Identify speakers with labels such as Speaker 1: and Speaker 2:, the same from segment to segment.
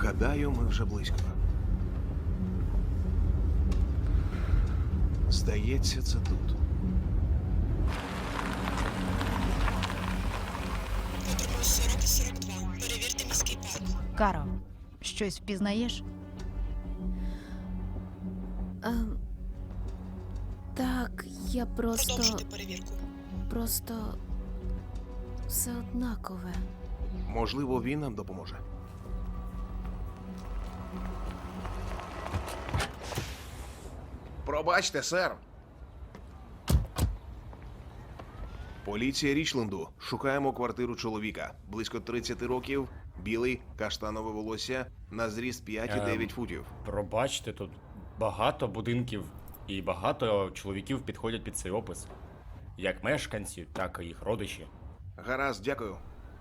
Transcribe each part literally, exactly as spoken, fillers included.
Speaker 1: Гадаю, ми вже близько. Здається, це тут.
Speaker 2: Протокол сорок і сорок два. Перевірте міський парк.
Speaker 3: Каро, щось впізнаєш?
Speaker 4: Ем, так, я просто.
Speaker 2: Продовжуйте перевірку.
Speaker 4: Просто. Все однакове.
Speaker 1: Можливо, він нам допоможе. Пробачте, сер. Поліція Річленду. Шукаємо квартиру чоловіка. Близько тридцяти років, білий, каштанове волосся, на зріст п'ять і дев'ять
Speaker 5: Ем.
Speaker 1: футів.
Speaker 5: Пробачте, тут багато будинків і багато чоловіків підходять під цей опис. Як мешканці, так і їх родичі.
Speaker 1: Гаразд, дякую.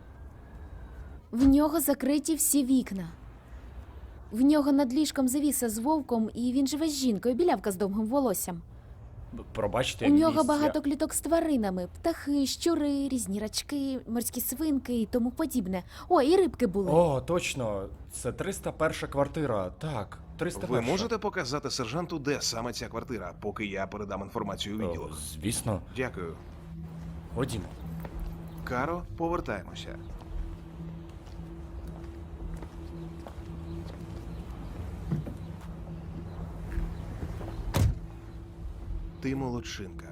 Speaker 4: В нього закриті всі вікна. В нього над ліжком завіса з вовком, і він живе з жінкою, білявка з довгим волоссям.
Speaker 5: Б- Пробачте,
Speaker 4: У нього
Speaker 5: місця-
Speaker 4: багато кліток з тваринами: птахи, щури, різні рачки, морські свинки і тому подібне. О, і рибки були.
Speaker 5: О, точно, це триста перша квартира. Так, триста перша.
Speaker 1: Ви можете показати сержанту, де саме ця квартира, поки я передам інформацію у
Speaker 5: О,
Speaker 1: відділок?
Speaker 5: звісно.
Speaker 1: Дякую.
Speaker 5: Ходімо.
Speaker 1: Каро, повертаємося. Ти молодчинка.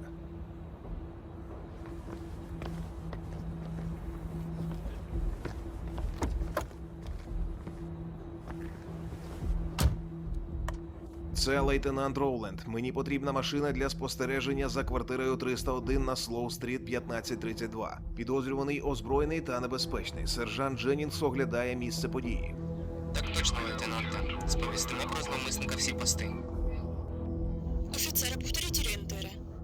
Speaker 1: Це лейтенант Роуленд. Мені потрібна машина для спостереження за квартирою триста один на Слоу-стріт п'ятнадцять тридцять два. Підозрюваний озброєний та небезпечний. Сержант Дженнінгс оглядає місце події.
Speaker 6: Так точно, лейтенанте. Сповістимо про зловмисника всі пости.
Speaker 2: Офіцери, повторіть